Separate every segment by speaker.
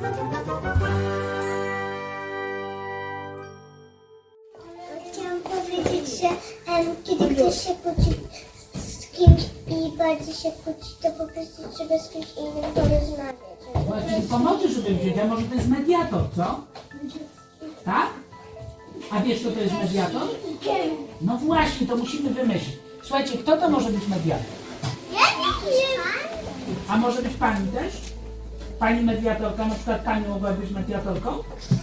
Speaker 1: Chciałam powiedzieć, że kiedy ktoś się kłóci z kimś i bardzo się kłóci, to po prostu trzeba z kimś innym porozmawiać.
Speaker 2: Właśnie pomocy, żeby wziąć, a może to jest mediator, co? Tak? A wiesz, kto to jest mediator? No właśnie, to musimy wymyślić. Słuchajcie, kto to może być mediator?
Speaker 1: Ja nie wiem.
Speaker 2: A może być pani też? Pani mediatorka, na przykład pani mogła być mediatorką?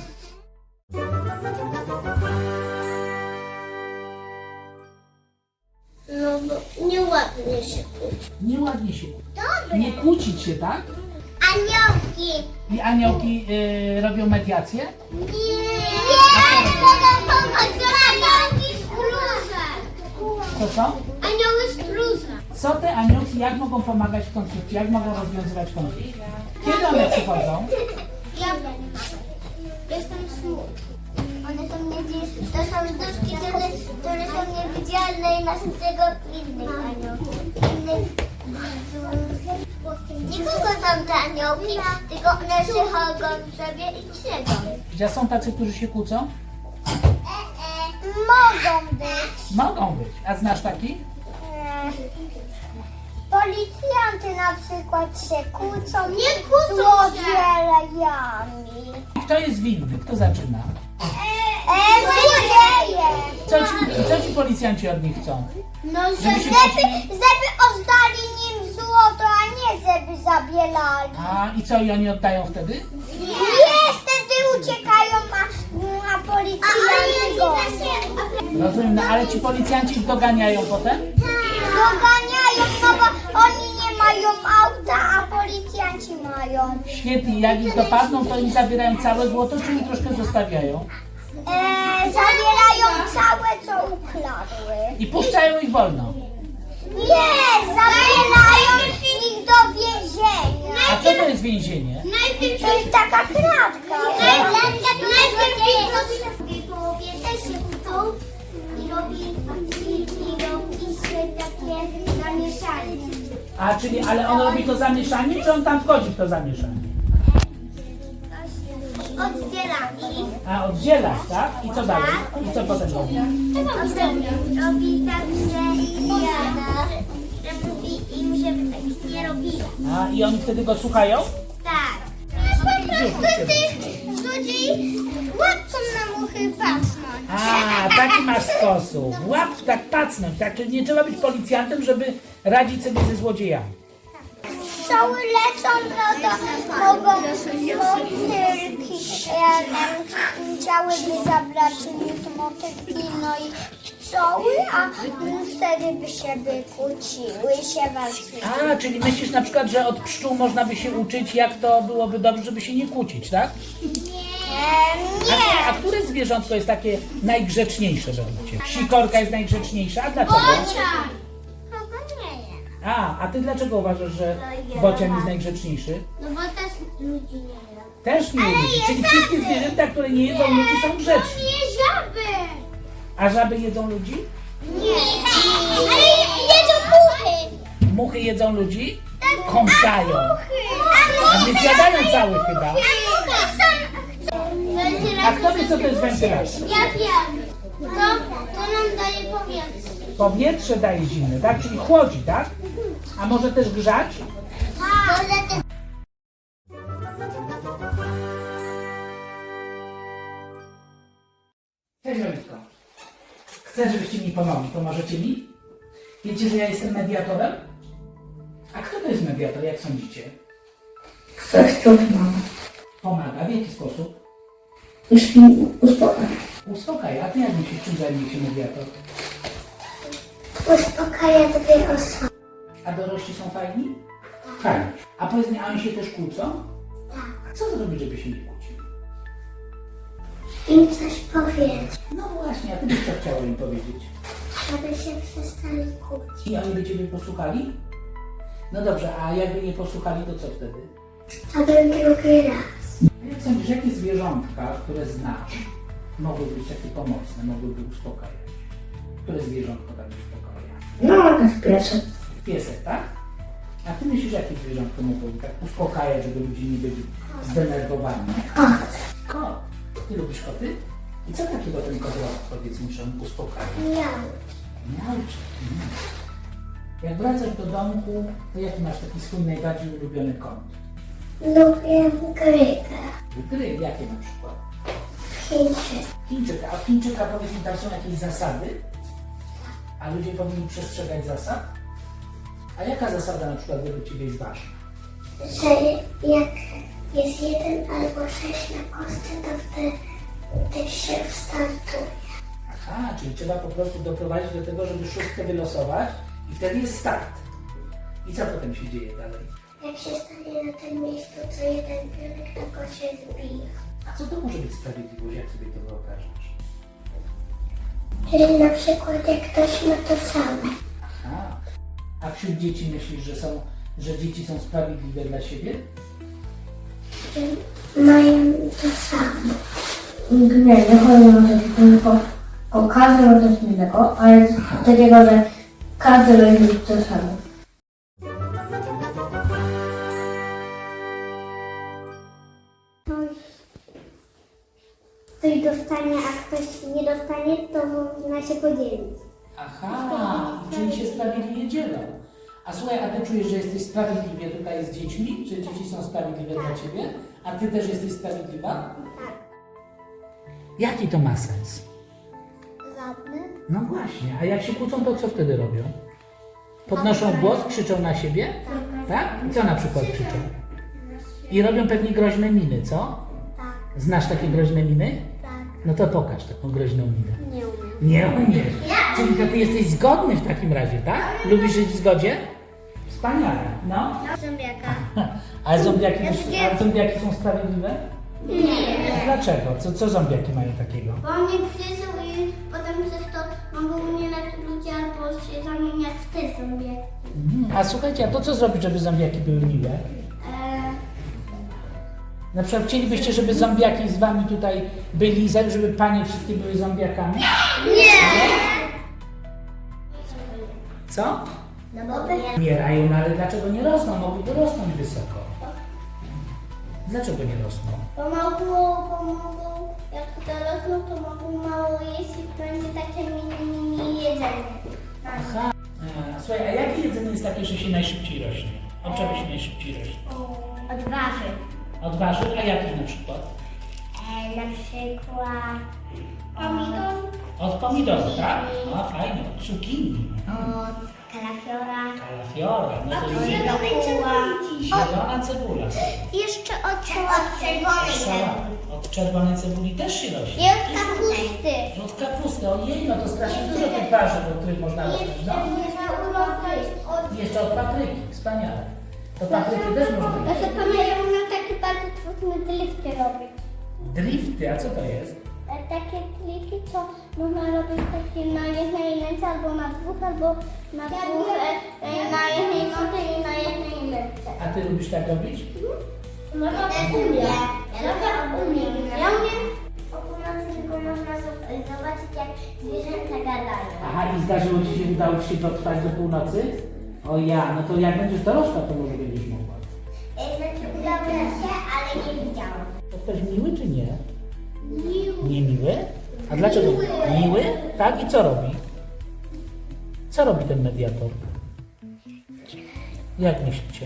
Speaker 1: No bo nieładnie się kłóci.
Speaker 2: Nieładnie się.
Speaker 1: Dobre.
Speaker 2: Nie kłócić się, tak?
Speaker 1: Aniołki.
Speaker 2: I aniołki robią mediację?
Speaker 1: Nie. Nie, mogą pomóc. Aniołki stróże.
Speaker 2: To co?
Speaker 1: Anioły stróże.
Speaker 2: Co te aniołki, jak mogą pomagać w konflikcie? Jak mogą rozwiązywać konflikt? Kiedy one przychodzą?
Speaker 1: Ja jestem smutny. One są to są duszki, które są niewidzialne i nas z tego innych aniołów. Nie kocham te aniołki, tylko one się chodzą sobie i siedzą.
Speaker 2: Gdzie są tacy, którzy się kłócą?
Speaker 1: Mogą być.
Speaker 2: Mogą być. A znasz taki?
Speaker 1: Policjanty na przykład się kłócą. Nie kłócą złodziejami.
Speaker 2: Kto jest winny? Kto zaczyna?
Speaker 1: Złodzieje.
Speaker 2: Co ci policjanci od nich chcą?
Speaker 1: No,
Speaker 2: Żeby się
Speaker 1: żeby oddali nim złoto, a nie żeby zabierali.
Speaker 2: A i co, i oni oddają wtedy?
Speaker 1: Nie, wtedy uciekają, a policjanci go
Speaker 2: Rozumiem, no ale ci policjanci ich doganiają potem?
Speaker 1: doganiają, no bo oni nie mają auta, a policjanci mają.
Speaker 2: Świetnie, jak ich dopadną, to im zabierają całe złoto, czy im troszkę zostawiają?
Speaker 1: Zabierają całe, co ukradły.
Speaker 2: I puszczają ich wolno.
Speaker 1: Nie, zabierają ich do więzienia.
Speaker 2: A co to jest więzienie?
Speaker 1: To jest taka kratka. W połowie też się kłócą i robi się takie zamieszanie.
Speaker 2: A czyli, ale on robi to zamieszanie, czy on tam wchodzi w to zamieszanie?
Speaker 1: Oddzielani.
Speaker 2: A oddzielać, tak? I co dalej? I co potem robi?
Speaker 1: Robi tak, że mówi im, żeby tak nie robili.
Speaker 2: A i oni wtedy go słuchają?
Speaker 1: Tak. Po prostu tych złodziei łapką na muchy patrzą.
Speaker 2: A, taki masz sposób. Łap, tak pacnąć, tak? Czyli nie trzeba być policjantem, żeby radzić sobie ze złodziejami.
Speaker 1: Cały lecą, no to mogą motylki, chciałyby zabrać motylki, no i pszczoły, a wtedy by się wykłóciły, się walczyły.
Speaker 2: A, czyli myślisz na przykład, że od pszczół można by się uczyć, jak to byłoby dobrze, żeby się nie kłócić, tak? A które zwierzątko jest takie najgrzeczniejsze według Ciebie? Sikorka jest najgrzeczniejsza, a dlaczego? A ty dlaczego uważasz, że bocian jest najgrzeczniejszy?
Speaker 1: No bo też ludzi nie jedzą.
Speaker 2: Też nie ludzi, czyli wszystkie zwierzęta, które nie jedzą ludzi, są grzeczne.
Speaker 1: Nie żaby!
Speaker 2: A żaby jedzą ludzi?
Speaker 1: Nie. Ale jedzą muchy!
Speaker 2: Muchy jedzą ludzi? Kąsają. A więc jadają całych chyba. A kto wie, co to jest wentylacja?
Speaker 1: Ja wiem. To nam daje powietrze.
Speaker 2: Powietrze daje zimne, tak? Czyli chłodzi, tak? A może też grzać? Cześć Wojtko. Chcę, żebyście mi pomogli. Pomożecie mi? Wiecie, że ja jestem mediatorem? A kto to jest mediator, jak sądzicie?
Speaker 3: Ktoś tu pomaga.
Speaker 2: Pomaga. W jaki sposób?
Speaker 3: Uspokaja.
Speaker 2: Uspokaja. A ty jak myślisz, czym zajmuje się mediator?
Speaker 1: Uspokaja drugiej osoby.
Speaker 2: A dorośli są fajni? Fajni. A powiedz mi, a oni się też kłócą?
Speaker 1: Tak.
Speaker 2: Co zrobić, żeby się nie kłócili?
Speaker 1: Im coś powiedzieć,
Speaker 2: No właśnie, a ty byś co chciała im powiedzieć?
Speaker 1: żeby się przestali kłócić.
Speaker 2: I oni by ciebie posłuchali? No dobrze, a jakby nie posłuchali, to co wtedy?
Speaker 1: Aby drugi raz.
Speaker 2: Jak sądzisz, jakie zwierzątka, które znasz, mogłyby być takie pomocne, mogłyby uspokajać? Które zwierzątko tak uspokaja?
Speaker 3: No, jest piesek.
Speaker 2: Piesek, tak? A ty myślisz, jakie zwierzątko mogą tak uspokajać, żeby ludzie nie byli zdenerwowani? Kot. Ty lubisz koty? I co takiego ten kot robi, powiedz mi, że on uspokaja? Miauczy. Jak wracasz do domku, to jaki masz taki swój najbardziej ulubiony kąt?
Speaker 1: Lubię gry.
Speaker 2: Gry, jakie na przykład?
Speaker 1: Chińczyk.
Speaker 2: Chińczyka. A w Chińczyka, powiedz mi, tam są jakieś zasady? A ludzie powinni przestrzegać zasad? A jaka zasada na przykład według Ciebie jest ważna?
Speaker 1: Że jak jest 1 albo 6 na kostce, to wtedy się startuje.
Speaker 2: Aha, czyli trzeba po prostu doprowadzić do tego, żeby szóstkę wylosować i wtedy jest start. I co potem się dzieje dalej?
Speaker 1: Jak się stanie na tym miejscu, co jeden pionek, to go się zbija.
Speaker 2: A co to może być sprawiedliwość, jak sobie to wyobrażasz?
Speaker 1: Czyli na przykład jak ktoś ma to same.
Speaker 2: Aha. A wśród dzieci myślisz, że dzieci są sprawiedliwe dla siebie?
Speaker 1: Że mają to samo.
Speaker 3: Nie chodzi o coś, tylko o każdy ma coś innego, ale takiego, że każdy będzie mieć to samo.
Speaker 1: Ktoś dostanie, a ktoś nie dostanie, to można się podzielić.
Speaker 2: Aha, czyli się sprawiedliwie dzielą. A słuchaj, a ty czujesz, że jesteś sprawiedliwie tutaj z dziećmi? Że dzieci są sprawiedliwe dla ciebie? A ty też jesteś sprawiedliwa?
Speaker 1: Tak.
Speaker 2: Jaki to ma sens?
Speaker 1: Żadny?
Speaker 2: No właśnie, a jak się kłócą, to co wtedy robią? Podnoszą głos, krzyczą na siebie? Tak? I co na przykład krzyczą? I robią pewnie groźne miny, co?
Speaker 1: Tak,
Speaker 2: Znasz takie groźne miny?
Speaker 1: tak.
Speaker 2: No to pokaż taką groźną minę.
Speaker 1: Nie umiem.
Speaker 2: Nie umiesz. Czyli to ty jesteś zgodny w takim razie, tak? Lubisz żyć w zgodzie? Wspaniale, no.
Speaker 1: Zombiaka.
Speaker 2: Ale zombiaki są sprawiedliwe?
Speaker 1: Nie.
Speaker 2: Dlaczego? Co zombiaki mają takiego?
Speaker 1: Bo mnie przyszł i potem przez to mogą umierać ludzie albo się zamieniać w te zombiaki.
Speaker 2: A słuchajcie, a to co zrobić, żeby zombiaki były miłe? Na przykład chcielibyście, żeby zombiaki z wami tutaj byli, żeby panie wszystkie były zombiakami? Co?
Speaker 1: No bo
Speaker 2: Umierają, no ale dlaczego nie rosną? Mogliby rosnąć wysoko. Dlaczego nie rosną?
Speaker 1: pomogą, jak dorosną, to mogą mało jeść i będzie takie mini jedzenie.
Speaker 2: Aha. Słuchaj, a jakie jedzenie jest takie, że się najszybciej rośnie? Od czego się najszybciej rośnie?
Speaker 1: Od warzyw.
Speaker 2: Od warzyw, a jakich na przykład?
Speaker 1: Na przykład pomidor,
Speaker 2: Od pomidorów, tak? No fajnie, od cukinii.
Speaker 1: od kalafiora,
Speaker 2: Kalafiora, no to jest
Speaker 1: cebuli.
Speaker 2: zielona cebula.
Speaker 1: Jeszcze od czerwonej
Speaker 2: Sałat. Od czerwonej cebuli też się rośnie.
Speaker 1: I od kapusty.
Speaker 2: Od kapusty, ojej, no to strasznie dużo tych warzyw, od których można rosnąć. No. I jeszcze od papryki, wspaniale. To papryki też można
Speaker 1: Ja
Speaker 2: robić.
Speaker 1: sobie pamiętam, na takie bardzo trudne drifty robić.
Speaker 2: Drifty, a co to jest?
Speaker 1: Takie kliki, co można robić takie na jednej ręce, albo na dwóch, albo na dwóch, na jednej nodze i na jednej ręce.
Speaker 2: A ty lubisz tak robić?
Speaker 1: No to umiem. Ja umiem. O północy tylko można zobaczyć, jak zwierzęta gadają.
Speaker 2: Aha, i zdarzyło ci się, udało ci się dotrwać do północy? O ja, no to jak będziesz dorosła, to może będziesz mogła.
Speaker 1: Znaczy udało mi się, ale nie widziałam.
Speaker 2: To ktoś miły czy nie? Niemiły? A dlaczego? Miły? Tak, i co robi? Co robi ten mediator? Jak myślicie?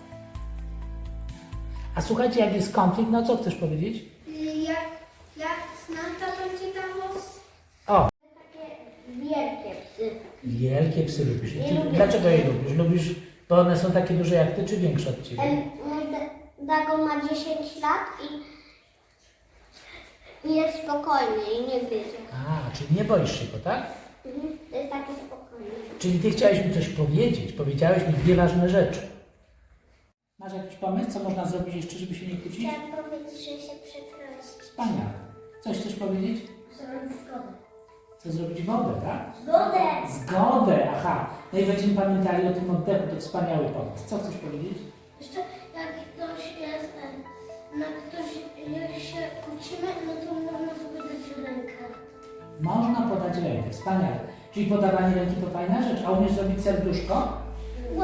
Speaker 2: A słuchajcie, jak jest konflikt, no co chcesz powiedzieć?
Speaker 1: Jak znam, to będzie tam
Speaker 2: O,
Speaker 1: takie wielkie psy.
Speaker 2: wielkie psy lubisz. Dlaczego je lubisz? Lubisz, bo one są takie duże jak ty, czy większe od ciebie?
Speaker 1: Mój Dago ma 10 lat i jest spokojny i nie gryzie.
Speaker 2: A, czyli nie boisz się go, tak?
Speaker 1: To jest taki spokojny.
Speaker 2: Czyli ty chciałeś mi coś powiedzieć, powiedziałeś mi dwie ważne rzeczy. Masz jakiś pomysł, co można zrobić jeszcze, żeby się nie kłócić?
Speaker 1: Chciałam powiedzieć, że się przeprosić.
Speaker 2: Wspaniale. Coś chcesz powiedzieć?
Speaker 1: Zrobić zgodę.
Speaker 2: Co zrobić? Wodę, tak?
Speaker 1: Zgodę!
Speaker 2: Zgodę, aha. No i będziemy pamiętali o tym oddechu, to wspaniały pomysł. Co chcesz powiedzieć?
Speaker 1: Jeszcze jak ktoś jest, jak się kłócimy, no to można sobie dać rękę.
Speaker 2: Można podać rękę, wspaniale. Czyli podawanie ręki to fajna rzecz. A umiesz zrobić serduszko?
Speaker 1: Łatwo.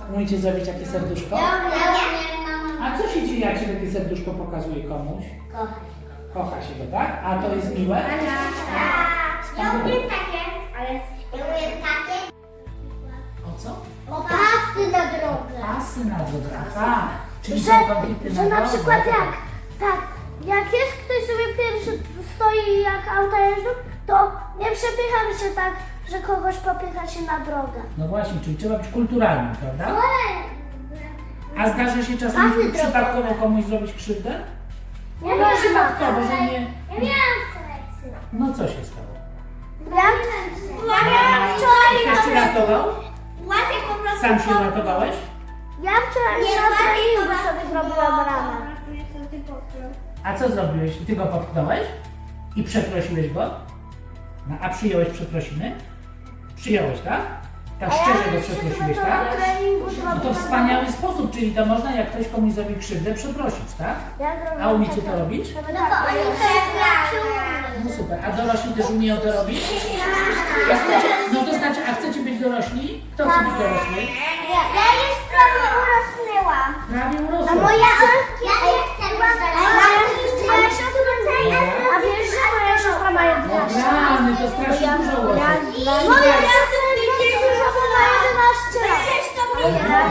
Speaker 2: Umiecie zrobić takie serduszko? A co się dzieje, jak się takie serduszko pokazuje komuś? Kocha się go, tak? A to jest miłe?
Speaker 1: Ja umiem takie, ale ja umiem takie.
Speaker 2: O co?
Speaker 1: Pasy na drodze.
Speaker 2: Pasy na drodze, aha. Czyli
Speaker 4: Że,
Speaker 2: są konflikty
Speaker 4: że na
Speaker 2: drodze.
Speaker 4: przykład jak jest ktoś sobie pierwszy stoi jak auta jeżdżą, to nie przepychamy się tak, że kogoś popycha się na drogę.
Speaker 2: No właśnie, czyli trzeba być kulturalnym, prawda? A zdarza się czasem
Speaker 1: Pasy
Speaker 2: przypadkowo komuś zrobić krzywdę?
Speaker 4: Nie
Speaker 2: No
Speaker 4: wiem,
Speaker 2: przypadkowo, że nie...
Speaker 1: Ja miałam selekcję.
Speaker 2: No co się stało?
Speaker 4: Ja miałam wczoraj
Speaker 2: Ktoś cię ratował?
Speaker 1: Łatwiej po prostu.
Speaker 2: Sam się uratowałeś?
Speaker 4: Ja wczoraj na treningu sobie zrobiłam ramę.
Speaker 2: A co zrobiłeś? Ty go popchnąłeś? I przeprosiłeś go? No, a przyjąłeś przeprosiny? Przyjąłeś, tak? Tak szczerze go przeprosiłeś, tak?
Speaker 4: Na treningu
Speaker 2: No to
Speaker 4: zrobiłam
Speaker 2: wspaniały sposób, czyli to można, jak ktoś komuś zrobi krzywdę, przeprosić, tak? A umiecie to robić?
Speaker 1: No bo oni
Speaker 2: No super. A dorośli też umieją to robić? No to znaczy, a chcecie być dorośli? Kto chce być dorosły?
Speaker 1: Ja już prawie urosnęłam.
Speaker 2: Prawie urosło.
Speaker 4: moja
Speaker 1: Ja nie chcę być
Speaker 4: A wiesz, że moja siostra ma 11 lat?
Speaker 2: Rany, to strasznie dużo urosło.
Speaker 4: Moja siostra ma 11 lat.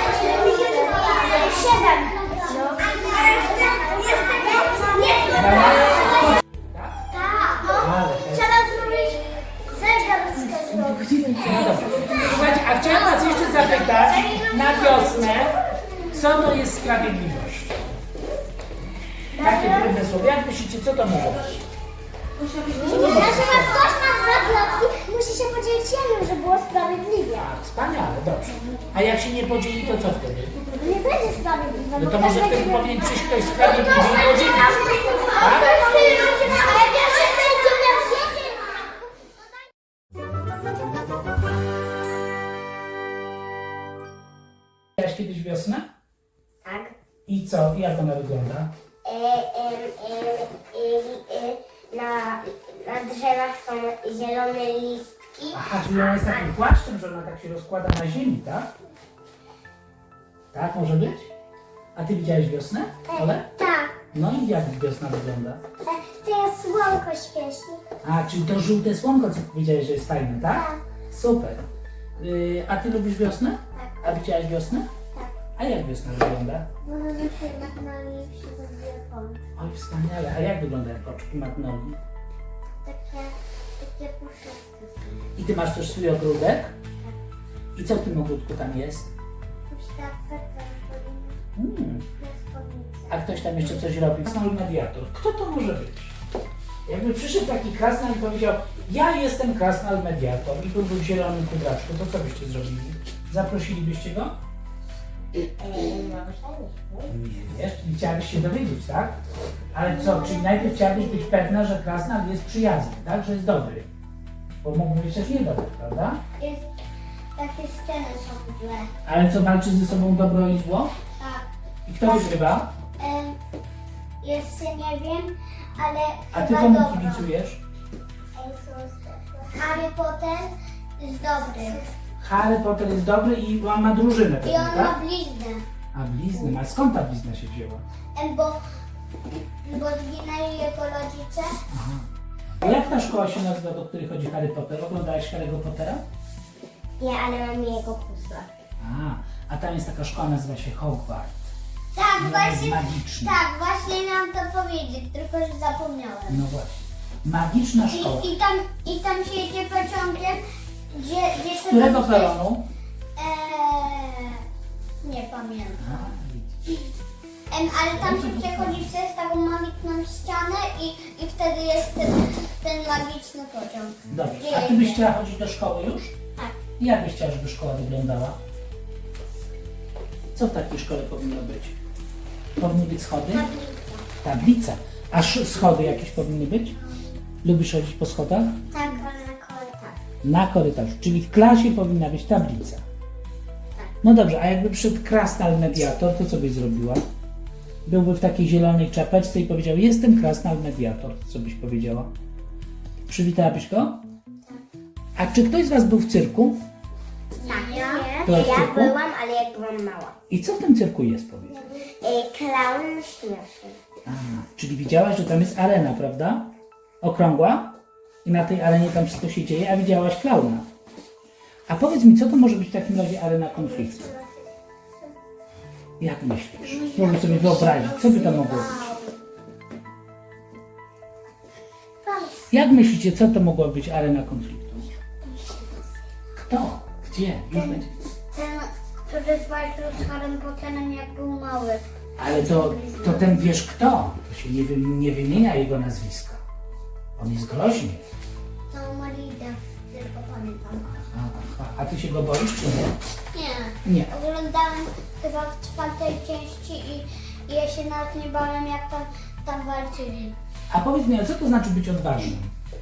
Speaker 4: 7.
Speaker 2: Ale
Speaker 4: Trzeba zrobić zegar
Speaker 2: No dobrze. Słuchajcie, a chciałem was jeszcze zapytać na wiosnę, co to jest sprawiedliwość? Takie trudne słowo. Jak myślicie, co to może być?
Speaker 1: Na przykład ktoś ma dwa klocki, musi się podzielić jednym, żeby było sprawiedliwie.
Speaker 2: Tak, wspaniale, dobrze. A jak się nie podzieli, to co wtedy?
Speaker 1: Nie będzie sprawiedliwe.
Speaker 2: No to może wtedy powinien przyjść ktoś sprawiedliwy i podzielić. Tak?
Speaker 1: Ale wiesz, że będzie miał jeden.
Speaker 2: Widziałaś kiedyś wiosnę?
Speaker 1: Tak.
Speaker 2: I co? I jak ona wygląda?
Speaker 1: Na drzewach są zielone listki.
Speaker 2: Aha, czyli ona jest takim płaszczem, że ona tak się rozkłada na ziemi, tak? Tak może być? A ty widziałeś wiosnę? Ole?
Speaker 1: Tak.
Speaker 2: No i jak wiosna wygląda?
Speaker 1: To jest słonko świeci.
Speaker 2: A, czyli to żółte słonko, co powiedziałeś, że jest fajne, tak?
Speaker 1: Tak.
Speaker 2: Super. A ty lubisz wiosnę? A widziałaś wiosnę?
Speaker 1: Tak.
Speaker 2: A jak wiosna wygląda?
Speaker 1: Możemy się nagnali przy telefon.
Speaker 2: Oj, wspaniale. A jak wyglądają koczki magnolii?
Speaker 1: Takie puszeczki.
Speaker 2: I ty masz też swój ogródek? I co w tym ogródku tam jest?
Speaker 1: Puszczawce,
Speaker 2: A ktoś tam jeszcze coś robi? Krasnal mediator. Kto to może być? Jakby przyszedł taki krasnal i powiedział, ja jestem krasnal mediator i był w zielonym kudraczku, to co byście zrobili? Zaprosilibyście go? Nie wiesz, czyli chciałabyś się dowiedzieć, tak? Ale co, czyli najpierw chciałabyś być pewna, że krasnal jest przyjazny, tak? Że jest dobry. Bo mógł być też niedobry, prawda?
Speaker 1: Takie sceny są złe.
Speaker 2: Ale co, walczy ze sobą dobro i zło?
Speaker 1: Tak.
Speaker 2: I kto wygrywa?
Speaker 1: Jeszcze nie wiem, ale
Speaker 2: A ty
Speaker 1: chyba
Speaker 2: komu
Speaker 1: dobro.
Speaker 2: kibicujesz?
Speaker 1: Harry Potter jest dobry.
Speaker 2: Harry Potter jest dobry i on ma drużynę
Speaker 1: I
Speaker 2: pewnie,
Speaker 1: on ma
Speaker 2: tak?
Speaker 1: bliznę.
Speaker 2: A bliznę, a skąd ta blizna się wzięła?
Speaker 1: Bo zginęli jego rodzice.
Speaker 2: Aha. A jak ta szkoła się nazywa, do której chodzi Harry Potter? Oglądałeś Harry'ego Pottera?
Speaker 1: Nie, ale mam jego puzzle.
Speaker 2: A tam jest taka szkoła, nazywa się Hogwarts.
Speaker 1: Tak,
Speaker 2: No,
Speaker 1: właśnie.
Speaker 2: jest magiczny.
Speaker 1: Tak, właśnie miałam to powiedzieć, tylko że zapomniałem.
Speaker 2: No właśnie. Magiczna szkoła.
Speaker 1: I tam się jedzie pociągiem, gdzie
Speaker 2: Z którego
Speaker 1: sobie-
Speaker 2: peronu?
Speaker 1: Nie pamiętam.
Speaker 2: A, widzisz.
Speaker 1: Ale tam się przechodzi przez taką magiczną ścianę i wtedy jest ten magiczny pociąg.
Speaker 2: Dobrze. A ty byś chciała chodzić do szkoły już?
Speaker 1: Tak.
Speaker 2: I jak byś chciała, żeby szkoła wyglądała? Co w takiej szkole powinno być? Powinny być schody? Tablica. A schody jakieś powinny być? Lubisz chodzić po schodach?
Speaker 1: Tak, ale na korytarz.
Speaker 2: Na korytarzu, czyli w klasie powinna być tablica. No dobrze, a jakby przyszedł krasnal mediator, to co byś zrobiła? Byłby w takiej zielonej czapeczce i powiedział, jestem krasnal mediator. Co byś powiedziała? Przywitałabyś go? A czy ktoś z was był w cyrku?
Speaker 1: Tak.
Speaker 2: Byłaś w
Speaker 1: Ja
Speaker 2: cyrku?
Speaker 1: byłam, ale jak byłam mała.
Speaker 2: I co w tym cyrku jest, powiedz?
Speaker 1: Klaun śmieszny.
Speaker 2: A, czyli widziałaś, że tam jest arena, prawda? Okrągła? I na tej arenie tam wszystko się dzieje, a widziałaś klauna. A powiedz mi, co to może być w takim razie arena konfliktu? Jak myślisz? Spróbuj sobie wyobrazić, co by to mogło być? Jak myślicie, co to mogła być arena konfliktu? Kto? Gdzie? Już będzie.
Speaker 1: Ten, który walczył z Harrym Potterem, jak był mały.
Speaker 2: Ale to ten wiesz kto? To się nie wymienia jego nazwiska. On jest groźny.
Speaker 1: To Marida, tylko pamiętam.
Speaker 2: A ty się go boisz, czy nie?
Speaker 1: Nie.
Speaker 2: Nie.
Speaker 1: Oglądałem chyba w 4. części i ja się nawet nie bałem, jak tam walczyli.
Speaker 2: A powiedz mi, a co to znaczy być odważnym?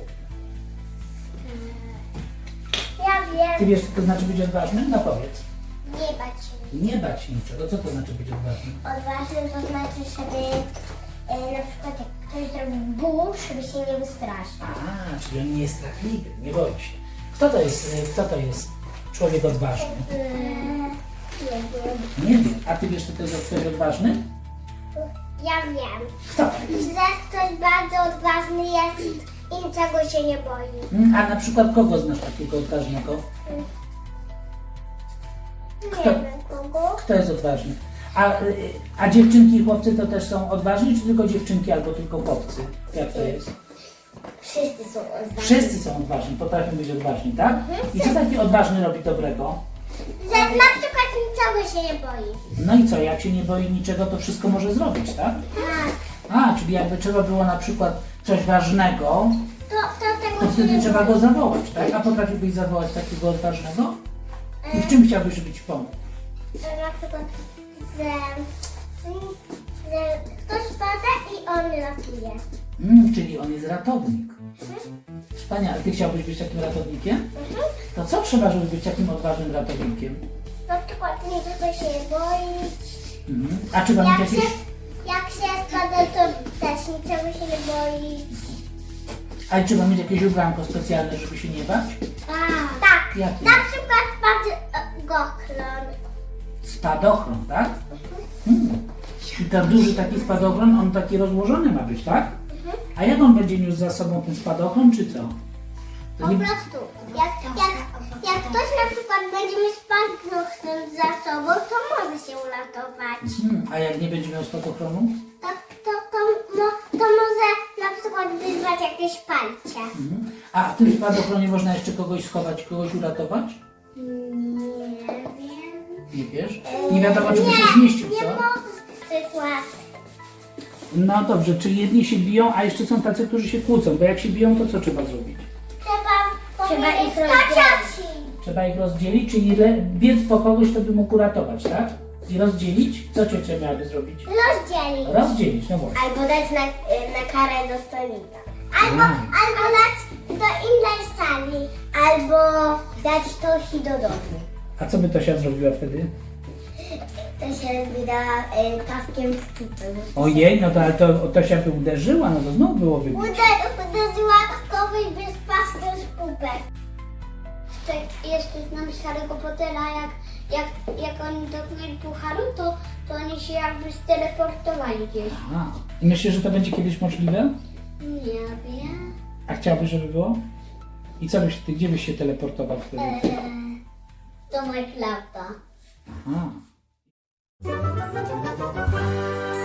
Speaker 1: Ja
Speaker 2: Ty
Speaker 1: wiem.
Speaker 2: wiesz, co to znaczy być odważnym? No powiedz.
Speaker 1: Nie bać się.
Speaker 2: Nie bać się niczego. Co to znaczy być odważnym?
Speaker 1: Odważnym to znaczy, żeby na przykład jak ktoś zrobi ból, żeby się nie wystraszyć.
Speaker 2: A, czyli on nie jest strachliwy, nie boi się. Kto to jest człowiek odważny?
Speaker 1: Nie wiem.
Speaker 2: Nie wiem. A ty wiesz, co to jest człowiek odważny?
Speaker 1: Ja wiem.
Speaker 2: Kto to jest?
Speaker 1: Że ktoś bardzo odważny jest i niczego się nie boi.
Speaker 2: A na przykład kogo znasz takiego odważnego?
Speaker 1: Nie
Speaker 2: Kto?
Speaker 1: wiem kogo.
Speaker 2: Kto jest odważny? A dziewczynki i chłopcy to też są odważni, czy tylko dziewczynki albo tylko chłopcy? Jak to jest?
Speaker 1: Wszyscy są odważni.
Speaker 2: Wszyscy są odważni, potrafią być odważni, tak? I co taki odważny robi dobrego?
Speaker 1: Że na przykład niczego się nie boi.
Speaker 2: No i co, jak się nie boi niczego, to wszystko może zrobić, tak?
Speaker 1: Tak.
Speaker 2: A, czyli jakby trzeba było na przykład coś ważnego,
Speaker 1: To tego
Speaker 2: to
Speaker 1: się
Speaker 2: wtedy
Speaker 1: nie
Speaker 2: trzeba
Speaker 1: boi.
Speaker 2: go zawołać, tak? A potrafiłbyś zawołać takiego odważnego? I w czym chciałbyś, żeby ci pomógł?
Speaker 1: Na przykład, że ktoś pada i on ratuje.
Speaker 2: Czyli on jest ratownik. Wspaniale. Ty chciałbyś być takim ratownikiem? To co trzeba, żeby być takim odważnym ratownikiem?
Speaker 1: Na przykład niczego się nie boić.
Speaker 2: A trzeba mieć jakieś...
Speaker 1: Jak się spada, to też niczego się nie boi.
Speaker 2: A trzeba mieć jakieś ubranko specjalne, żeby się nie bać?
Speaker 1: Tak.
Speaker 2: Jakie?
Speaker 1: Na przykład goklon.
Speaker 2: Spadochron, tak? I ten duży taki spadochron, on taki rozłożony ma być, tak? A jak on będzie niósł za sobą ten spadochron, czy co?
Speaker 1: Po
Speaker 2: To nie...
Speaker 1: prostu. Jak ktoś na przykład będzie mieć spadochron za sobą, to może się uratować.
Speaker 2: A jak nie będzie miał spadochronu?
Speaker 1: To może na przykład wyzwać jakieś palcie.
Speaker 2: A w tym spadochronie można jeszcze kogoś schować, kogoś uratować?
Speaker 1: Nie wiem.
Speaker 2: Nie wiesz? Nie wiadomo, czy by się zmieścił,
Speaker 1: Nie
Speaker 2: co?
Speaker 1: mogę przykład.
Speaker 2: No dobrze, czyli jedni się biją, a jeszcze są tacy, którzy się kłócą, bo jak się biją, to co trzeba zrobić?
Speaker 1: Trzeba ich rozdzielić.
Speaker 2: Trzeba ich rozdzielić, czyli biec po kogoś, kto by mógł uratować, tak? I rozdzielić? Co ciocia miałaby zrobić?
Speaker 1: Rozdzielić.
Speaker 2: Rozdzielić, no właśnie.
Speaker 1: Albo dać na karę do stolika. Albo dać do innej sali. Albo dać Tosi do domu.
Speaker 2: A co by Tosia zrobiła wtedy?
Speaker 1: To się wyda taskiem w czupę.
Speaker 2: Ojej, no to ale to Tosia by uderzyła, no to znowu byłoby...
Speaker 1: Uderzyła kogoś bez paskiem z pupek. Jeszcze znam z Harry'ego Pottera, jak oni dotknęli pucharu, to oni się jakby steleportowali gdzieś.
Speaker 2: A, i myślisz, że to będzie kiedyś możliwe?
Speaker 1: Nie wiem.
Speaker 2: A chciałbyś, żeby było? I co byś ty, gdzie byś się teleportował wtedy?
Speaker 1: To Minecrafta.
Speaker 2: Aha.